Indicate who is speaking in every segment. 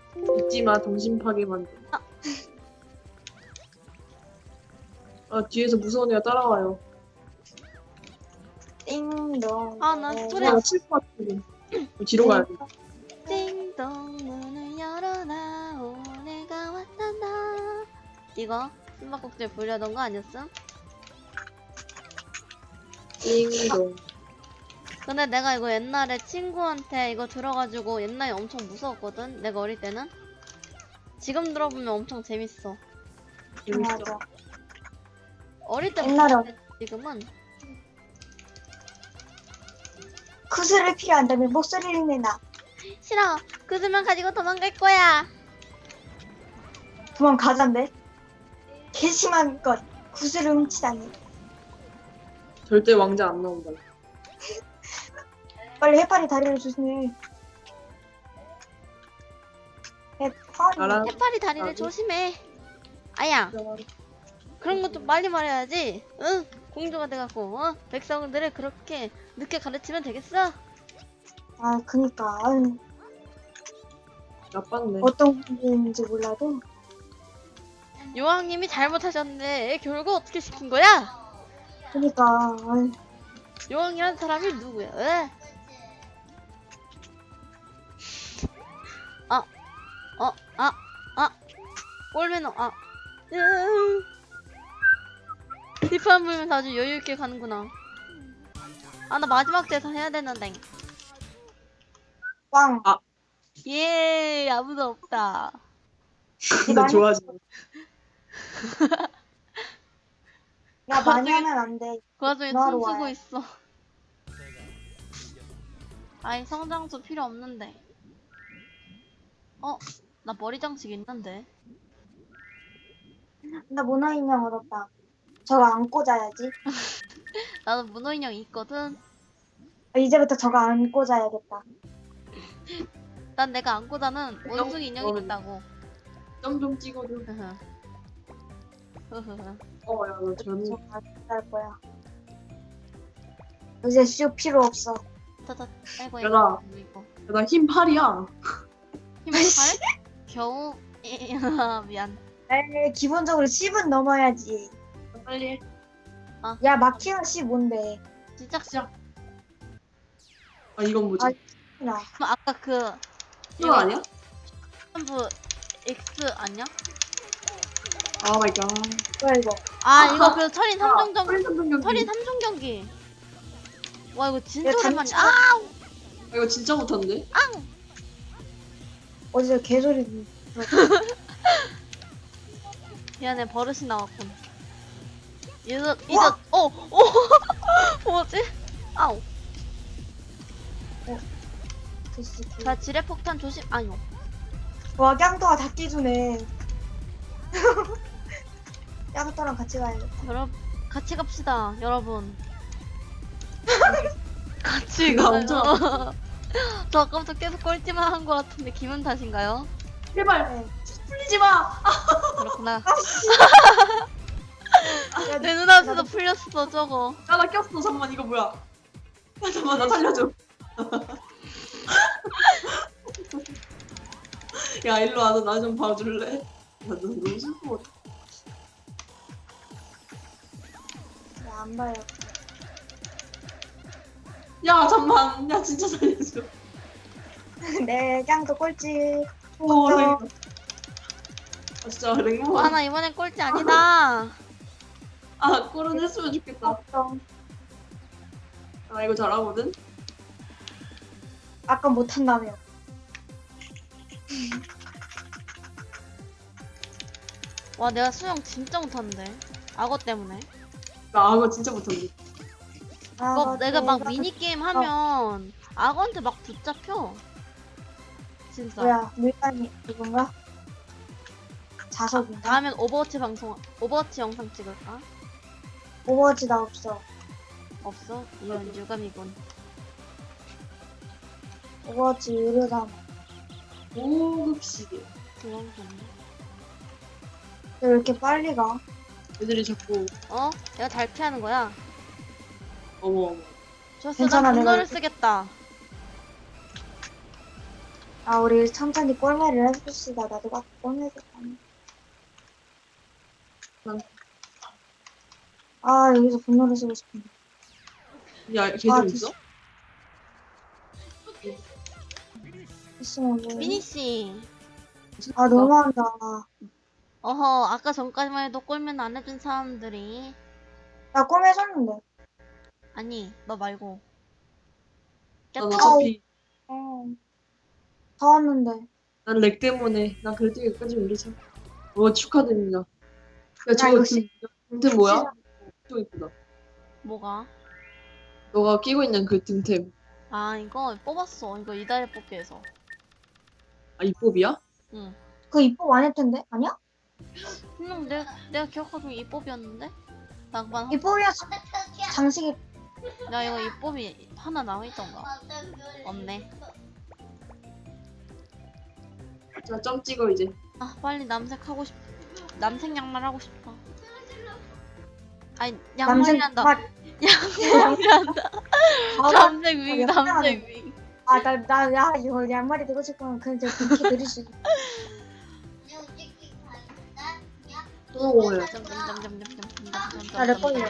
Speaker 1: 잊지마 정신 파괴 만들. 아 뒤에서 무서운 애가 따라와요.
Speaker 2: 띵동.
Speaker 3: 아, 나 소리
Speaker 1: 아 칠것 같은데. 뒤로 가야 돼.
Speaker 3: 띵동 문을 열어라 오네가 왔단다. 이거 숨바꼭질 부르려던 거 아니었어?
Speaker 1: 띵동.
Speaker 3: 근데 내가 이거 옛날에 친구한테 이거 들어가지고 옛날에 엄청 무서웠거든. 내가 어릴 때는. 지금 들어보면 엄청 재밌어.
Speaker 1: 재밌어.
Speaker 2: 맞아.
Speaker 3: 어릴 때
Speaker 2: 옛날에
Speaker 3: 무서웠는데 지금은
Speaker 2: 구슬을 필요한다면 목소리를 내놔.
Speaker 3: 싫어. 그 수면 가지고 도망갈 거야.
Speaker 2: 도망가잔데. 괘씸한 것. 구슬을 훔치다니.
Speaker 1: 절대 왕자 안 나온다.
Speaker 2: 빨리 해파리 다리를 조심해. 해파리.
Speaker 1: 알아.
Speaker 3: 해파리 다리를
Speaker 1: 나도.
Speaker 3: 조심해. 아야. 그런 것도 빨리 말해야지. 응? 공주가 돼갖고 백성들을 그렇게 늦게 가르치면 되겠어?
Speaker 2: 아, 그니까. 아유,
Speaker 1: 나빴네.
Speaker 2: 어떤 공인지 몰라도.
Speaker 3: 요왕님이 잘못하셨는데 결국 어떻게 시킨 거야?
Speaker 2: 그니까. 아유,
Speaker 3: 요왕이란 사람이 누구야? 왜? 꼴매너 뒷판 불면서 아주 여유있게 가는구나. 나 마지막 대사 해야 되는데.
Speaker 2: 꽝.
Speaker 3: 예, 아무도 없다.
Speaker 1: 근데 좋아지.
Speaker 2: 야, 많이 하면 안 돼.
Speaker 3: 그 와중에
Speaker 2: 너하러
Speaker 3: 춤추고
Speaker 2: 와요.
Speaker 3: 있어. 아이, 성장수 필요 없는데. 나 머리 장식 있는데.
Speaker 2: 나 문어 인형 얻었다. 저거 안고 자야지.
Speaker 3: 나도 문어 인형 있거든.
Speaker 2: 이제부터 저거 안고 자야겠다.
Speaker 3: 난 내가 안고자는 원숭이 인형이 됐다고.
Speaker 1: 점 좀 찍어줘.
Speaker 3: 흐흐. 흐흐흐.
Speaker 1: 야너 젊은.
Speaker 2: 저거 안고 잘 거야. 이제 쇼 필요 없어.
Speaker 3: 타타. 아이고,
Speaker 1: 얘들아.
Speaker 3: 이거.
Speaker 1: 나 흰 팔이야.
Speaker 3: 힘을 팔? 겨우. 미안.
Speaker 2: 에이, 기본적으로 10은 넘어야지.
Speaker 1: 빨리 해.
Speaker 2: 야, 마키아 10 뭔데?
Speaker 3: 시작.
Speaker 1: 시작. 이건 뭐지?
Speaker 2: 아, 나.
Speaker 3: 그럼 아까 그
Speaker 1: 이거 아니야?
Speaker 3: 전부 X 아니야?
Speaker 1: 아 마이 갓.
Speaker 2: 뭐야 이거?
Speaker 3: 이거 그 철인 3종 경기.
Speaker 1: 철인 3종 경기.
Speaker 3: 철인 3종 경기. 와, 이거 진짜
Speaker 2: 이거
Speaker 3: 오랜만이야.
Speaker 1: 이거 진짜 못하는데?
Speaker 2: 어디서 개소리.
Speaker 3: 미안해, 버릇이 나왔군. 뭐지? 아우. 자, 지뢰 폭탄 조심. 아니요.
Speaker 2: 와, 깡도가 다 끼주네. 깡도랑 같이 가야겠다.
Speaker 3: 여러분, 같이 갑시다, 여러분. 같이
Speaker 1: 나
Speaker 3: 가요.
Speaker 1: 엄청
Speaker 3: 저 아까부터 계속 꼴찌만 한 것 같은데 기분 탓인가요?
Speaker 1: 제발
Speaker 2: 네.
Speaker 1: 풀리지 마.
Speaker 3: 그렇구나.
Speaker 2: 야,
Speaker 3: 내 눈앞에서 풀렸어, 저거.
Speaker 1: 나 꼈어. 잠깐만 이거 뭐야? 잠깐만 나 살려줘. 야 일로 와서 나 좀 봐줄래? 나 너무 슬퍼.
Speaker 2: 안 봐요.
Speaker 1: 야 잠만. 야 진짜 살려줘.
Speaker 2: 네, 깡도 꼴찌.
Speaker 1: 오 랭. 진짜 랭모.
Speaker 3: 나 이번엔 꼴찌 아니다.
Speaker 1: 꼴은 했으면 좋겠다.
Speaker 2: 걱정.
Speaker 1: 나 이거 잘하거든.
Speaker 2: 아까 못한다며.
Speaker 3: 와, 내가 수영 진짜 못하는데. 악어 때문에.
Speaker 1: 나 이거 진짜 못하는데.
Speaker 3: 그거 내가 막 미니게임 하면 악어한테 막 붙잡혀. 진짜.
Speaker 2: 뭐야, 물감이 누군가? 자석인가?
Speaker 3: 다음엔 오버워치 영상 찍을까?
Speaker 2: 오버워치 나 없어.
Speaker 3: 없어? 이런 유감이군.
Speaker 2: 오버워치 유료잖아.
Speaker 1: 5급 시계.
Speaker 3: 그런 거네.
Speaker 2: 왜 이렇게 빨리 가?
Speaker 1: 애들이 자꾸
Speaker 3: 내가 잘 피하는 거야.
Speaker 1: 어머.
Speaker 3: 좋았어,
Speaker 2: 괜찮아,
Speaker 3: 난
Speaker 2: 내가
Speaker 3: 분노를
Speaker 2: 이렇게-
Speaker 3: 쓰겠다.
Speaker 2: 아, 우리 천천히 꼴매를 해봅시다. 나도 막 꼴매를 하네. 아, 여기서 분노를 쓰고 싶은데.
Speaker 1: 야, 걔
Speaker 2: 아,
Speaker 1: 좀 있어?
Speaker 2: 있으면 뭐.
Speaker 3: 미니씨.
Speaker 2: 아, 너무한다.
Speaker 3: 어허, 아까 전까지만 해도 꼴면 안 해준 사람들이.
Speaker 2: 나 꼴매줬는데.
Speaker 3: 아니, 너 말고.
Speaker 1: 난
Speaker 3: 깼다.
Speaker 1: 어차피
Speaker 2: 다 왔는데.
Speaker 1: 난 렉 때문에 난 그래도 여기까지 올리자. 축하드립니다. 야
Speaker 2: 나
Speaker 1: 저거
Speaker 2: 이거
Speaker 1: 등템 뭐야? 좀 이쁘다.
Speaker 3: 뭐가?
Speaker 1: 너가 끼고 있는 그 등템.
Speaker 3: 아, 이거 뽑았어. 이거 이달에 뽑기에서.
Speaker 1: 아 입법이야?
Speaker 3: 응.
Speaker 2: 그거 입법 안 할 텐데? 아니야?
Speaker 3: 분명 내가 기억하기로 이 뽑이었는데? 잠깐만.
Speaker 2: 입법이었어. 장식이.
Speaker 3: 야, 이거 이 뽑이 하나 남아있던가? 없네.
Speaker 1: 자 점 찍어 이제.
Speaker 3: 아, 빨리 남색 하고 싶. 남색 양말 하고 싶다. 아니, 양말이 한다. 양말이 한다. 남색 윙, 남색 윙.
Speaker 2: 아, 야, 이거 양말이 되고 싶으면 그냥 저 그렇게 들을 수 있어.
Speaker 1: 또 뭐야?
Speaker 2: 아, 내 거예요.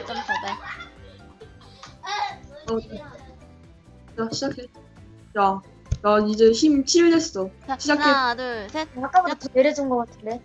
Speaker 1: 자 시작해. 야, 나 이제 힘 7 됐어.
Speaker 3: 자,
Speaker 1: 시작해.
Speaker 3: 하나, 둘, 셋.
Speaker 2: 아까보다 더 내려준 것 같은데.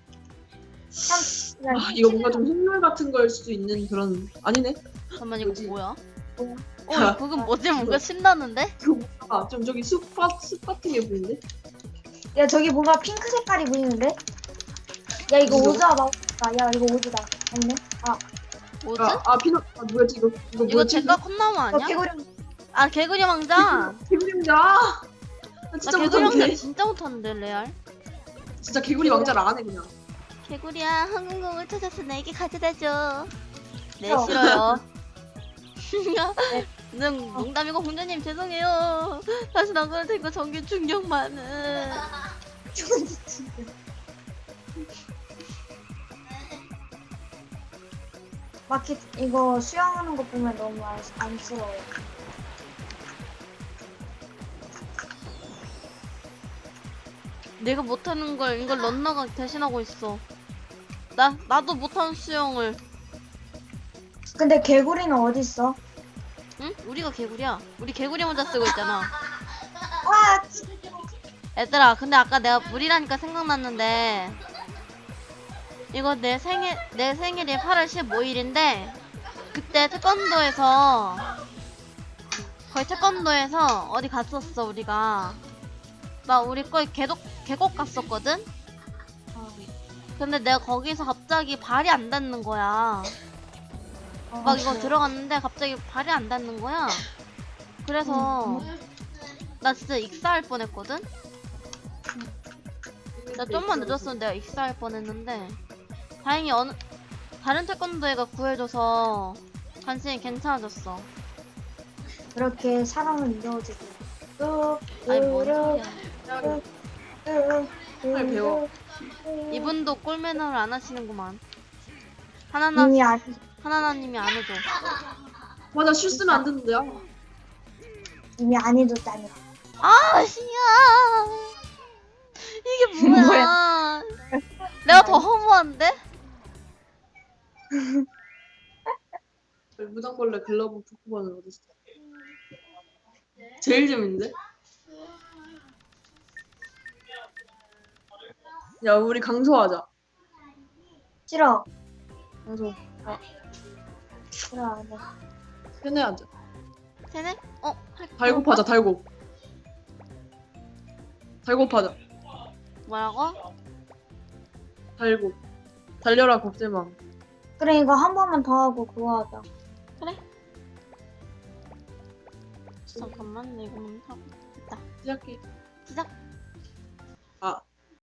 Speaker 1: 아 이거 뭔가 좀 흑물 같은 걸 수도 있는 그런 아니네.
Speaker 3: 잠깐만, 이거
Speaker 1: 뭐지?
Speaker 3: 뭐야?
Speaker 1: 야,
Speaker 3: 그건 뭐지? 뭔가 신나는데?
Speaker 1: 이거 뭔가 좀 저기 숲 같은 게 보이는데?
Speaker 2: 야, 저기 뭔가 핑크 색깔이 보이는데? 야, 이거
Speaker 1: 이거?
Speaker 2: 오즈야, 나오다. 야, 이거 오즈다. 아니네? 아,
Speaker 3: 뭐지?
Speaker 1: 피넛 뭐였지 이거? 이거
Speaker 3: 이거
Speaker 1: 뭐였지?
Speaker 3: 제가 컵나무
Speaker 2: 너
Speaker 3: 아니야?
Speaker 2: 개구리.
Speaker 3: 아, 개구리 왕자!
Speaker 1: 개구리왕자. 나
Speaker 3: 나
Speaker 1: 진짜
Speaker 3: 개구리 왕자
Speaker 1: 못하는데.
Speaker 3: 진짜 못하는데, 레알.
Speaker 1: 진짜 개구리 왕자를 안 해 그냥.
Speaker 3: 개구리야, 항공공을 찾아서 나에게 가져다줘. 네,
Speaker 2: 싫어.
Speaker 3: 싫어요.
Speaker 2: 네.
Speaker 3: 농담이고 공주님 죄송해요. 다시 안 그럴 테니까 정규 충격만은.
Speaker 2: 마켓 이거 수영하는 거 보면 너무 안쓰러워.
Speaker 3: 내가 못하는 걸 이걸 런너가 대신하고 있어. 나도 못하는 수영을.
Speaker 2: 근데 개구리는 어디 있어?
Speaker 3: 응? 우리가 개구리야. 우리 개구리 모자 쓰고 있잖아.
Speaker 2: 와,
Speaker 3: 얘들아, 근데 아까 내가 물이라니까 생각났는데, 이거 내 생일이 8월 15일인데, 그때 태권도에서 어디 갔었어, 우리가. 우리 거의 계곡 갔었거든? 근데 내가 거기서 갑자기 발이 안 닿는 거야. 막 이거 들어갔는데 갑자기 발이 안 닿는 거야. 그래서 나 진짜 익사할 뻔했거든? 나 좀만 늦었으면 내가 익사할 뻔했는데 다행히 다른 태권도애가 구해줘서 간신히 괜찮아졌어.
Speaker 2: 그렇게 사랑을 이어주고 또
Speaker 3: 아니 뭔 소리야.
Speaker 1: 빨리 배워.
Speaker 3: 이분도 꿀 매너를 안 하시는구만.
Speaker 2: 이미
Speaker 3: 하나나님이 안 해줘.
Speaker 1: 맞아 실 쓰면 안 되는데.
Speaker 2: 이미 안 해줬다니.
Speaker 3: 아, 씨야. 이게 뭐야. 내가 더 허무한데?
Speaker 1: 무당벌레 글러브 포크본은 어딨어? 제일 재밌는데? 야 우리 강소하자.
Speaker 2: 싫어.
Speaker 1: 강소.
Speaker 2: 싫어 안 해.
Speaker 1: 편해하자.
Speaker 3: 쟤네?
Speaker 1: 달곱하자 달곱. 달곱하자.
Speaker 3: 뭐라고?
Speaker 1: 달곱. 달려라 곱슬망.
Speaker 2: 그래 이거 한 번만 더 하고 그거 하자.
Speaker 3: 잠깐만, 나 이거만 하고. 됐다.
Speaker 1: 시작해.
Speaker 3: 시작.